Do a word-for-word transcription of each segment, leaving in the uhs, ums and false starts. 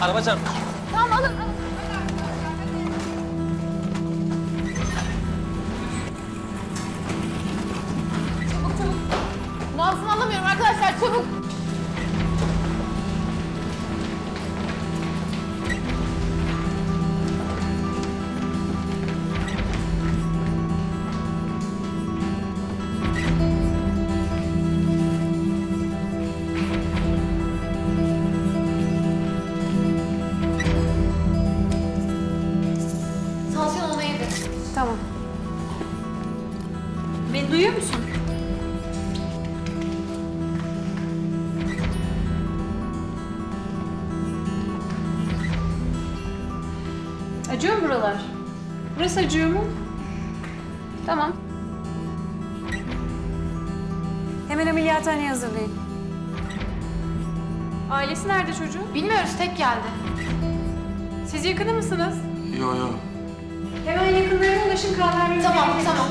araba çarptı. Tamam alın. Çabuk çabuk. Nabzını alamıyorum arkadaşlar, çabuk. Tansiyon ona yedi. Tamam. Beni duyuyor musun? Acıyor mu buralar? Burası acıyor mu? Tamam. Hemen ameliyathaneye hazırlayın. Ailesi nerede çocuğun? Bilmiyoruz, tek geldi. Siz yakını mısınız? Yo yo. Hemen yakınlarına ulaşın, kan vermeniz Tamam, gerekecek. tamam.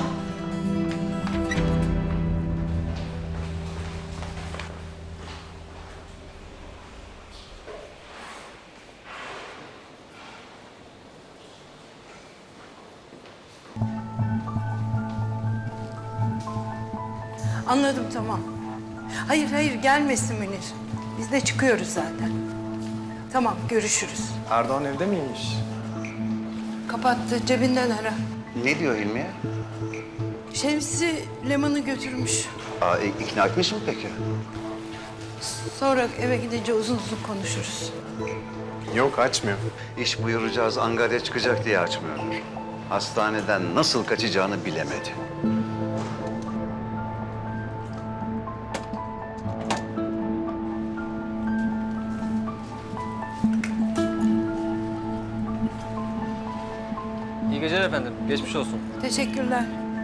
Anladım, tamam. Hayır hayır, gelmesin Münir. Biz de çıkıyoruz zaten. Tamam, görüşürüz. Erdoğan evde miymiş? Kapattı, cebinden ara. Ne diyor Hilmiye? Şemsi Leman'ı götürmüş. Aa, ik- ikna etmiş mi peki? Sonra eve gidince uzun uzun konuşuruz. Yok, açmıyor. İş buyuracağız, Angarya çıkacak diye açmıyordur. Hastaneden nasıl kaçacağını bilemedi. İyi geceler efendim. Geçmiş olsun. Teşekkürler.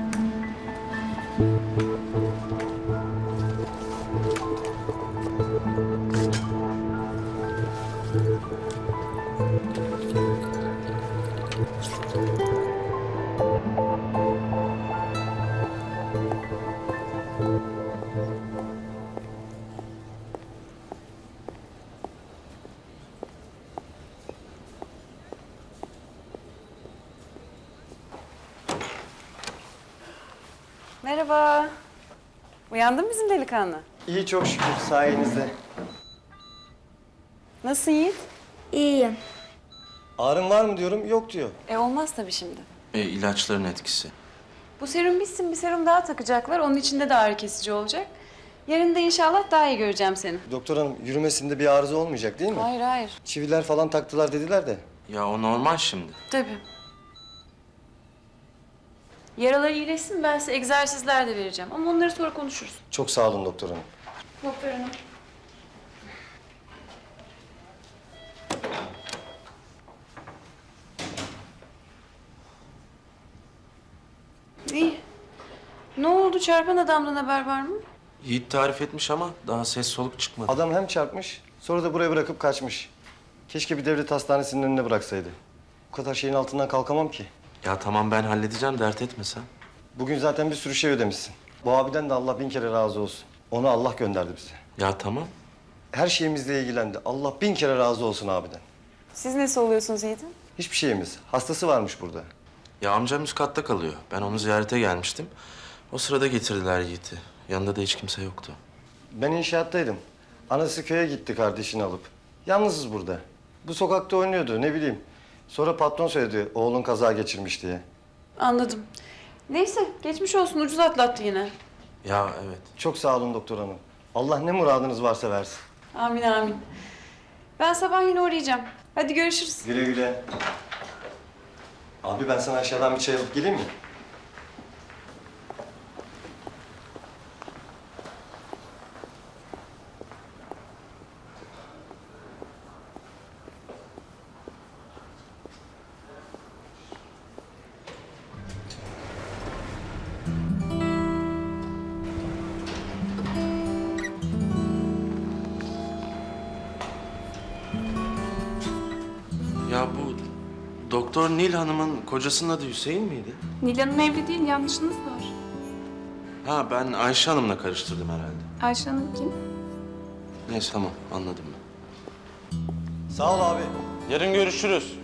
Merhaba. Uyandın mı bizim delikanlı? İyi, çok şükür sayenizde. Nasılsın Yiğit? İyiyim. Ağrın var mı diyorum, yok diyor. E olmaz tabii şimdi. E, ilaçların etkisi. Bu serum bitsin, bir serum daha takacaklar. Onun içinde de ağrı kesici olacak. Yarın da inşallah daha iyi göreceğim seni. Doktor hanım, yürümesinde bir arıza olmayacak değil mi? Hayır, hayır. Çiviler falan taktılar dediler de. Ya o normal şimdi. Tabii. Yaraları iyileşsin, ben size egzersizler de vereceğim. Ama onları sonra konuşuruz. Çok sağ olun doktor hanım. Doktor hanım. İyi. Ne oldu? Çarpan adamdan haber var mı? Yiğit tarif etmiş ama daha ses soluk çıkmadı. Adam hem çarpmış, sonra da buraya bırakıp kaçmış. Keşke bir devlet hastanesinin önüne bıraksaydı. Bu kadar şeyin altından kalkamam ki. Ya tamam ben halledeceğim, dert etme sen. Bugün zaten bir sürü şey ödemişsin. Bu abiden de Allah bin kere razı olsun. Onu Allah gönderdi bize. Ya tamam. Her şeyimizle ilgilendi. Allah bin kere razı olsun abiden. Siz nesi oluyorsunuz Yiğit'in? Hiçbir şeyimiz. Hastası varmış burada. Ya amcam üst katta kalıyor. Ben onu ziyarete gelmiştim. O sırada getirdiler Yiğit'i. Yanında da hiç kimse yoktu. Ben inşaattaydım. Anası köye gitti kardeşini alıp. Yalnızız burada. Bu sokakta oynuyordu, ne bileyim. Sonra patron söyledi oğlun kaza geçirmiş diye. Anladım. Neyse, geçmiş olsun. Ucuz atlattı yine. Ya evet. Çok sağ olun doktor hanım. Allah ne muradınız varsa versin. Amin, amin. Ben sabah yine uğrayacağım. Hadi görüşürüz. Güle güle. Abi ben sana aşağıdan bir çay alıp geleyim mi? Ya bu Doktor Nil Hanım'ın kocasının adı Hüseyin miydi? Nil Hanım evli değil, yanlışınız var. Ha ben Ayşe Hanım'la karıştırdım herhalde. Ayşe Hanım kim? Neyse tamam anladım ben. Sağ ol abi. Yarın görüşürüz.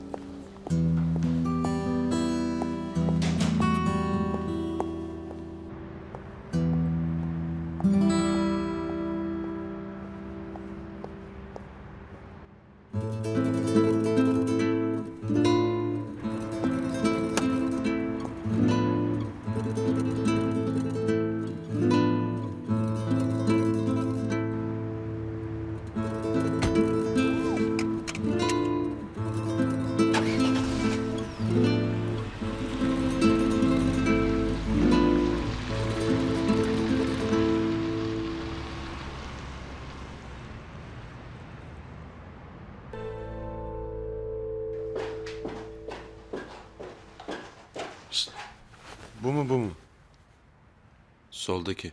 Bu mu bu mu? Soldaki.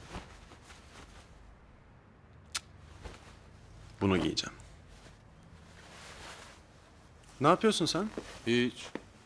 Bunu giyeceğim. Ne yapıyorsun sen? Hiç.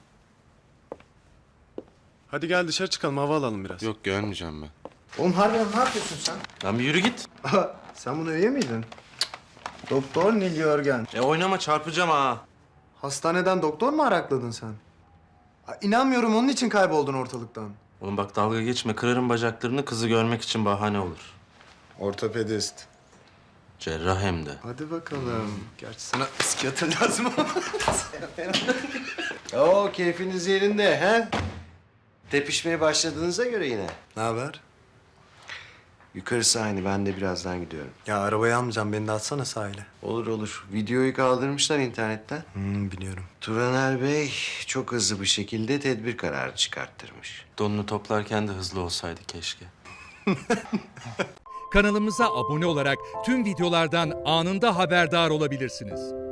Hadi gel dışarı çıkalım, hava alalım biraz. Yok gelmeyeceğim ben. Oğlum harbiden ne yapıyorsun sen? Lan bir yürü git. Sen bunu üye miydin? Doktor Nil Yörgen. E oynama çarpacağım ha. Hastaneden doktor mu arakladın sen? Aa, İnanmıyorum onun için kayboldun ortalıktan. Oğlum bak dalga geçme. Kırarım bacaklarını, kızı görmek için bahane olur. Ortopedist. Cerrah hem de. Hadi bakalım. Gerçi sana psikiyatr lazım ama. Oo keyfiniz yerinde he? Tepişmeye başladığınıza göre yine. Ne haber? Yukarısı aynı. Ben de birazdan gidiyorum. Ya arabayı almayacağım, beni de atsana sahile. Olur olur. Videoyu kaldırmışlar internetten. Hmm, biliyorum. Turaner Bey çok hızlı bir şekilde tedbir kararı çıkarttırmış. Donunu toplarken de hızlı olsaydı keşke. Kanalımıza abone olarak tüm videolardan anında haberdar olabilirsiniz.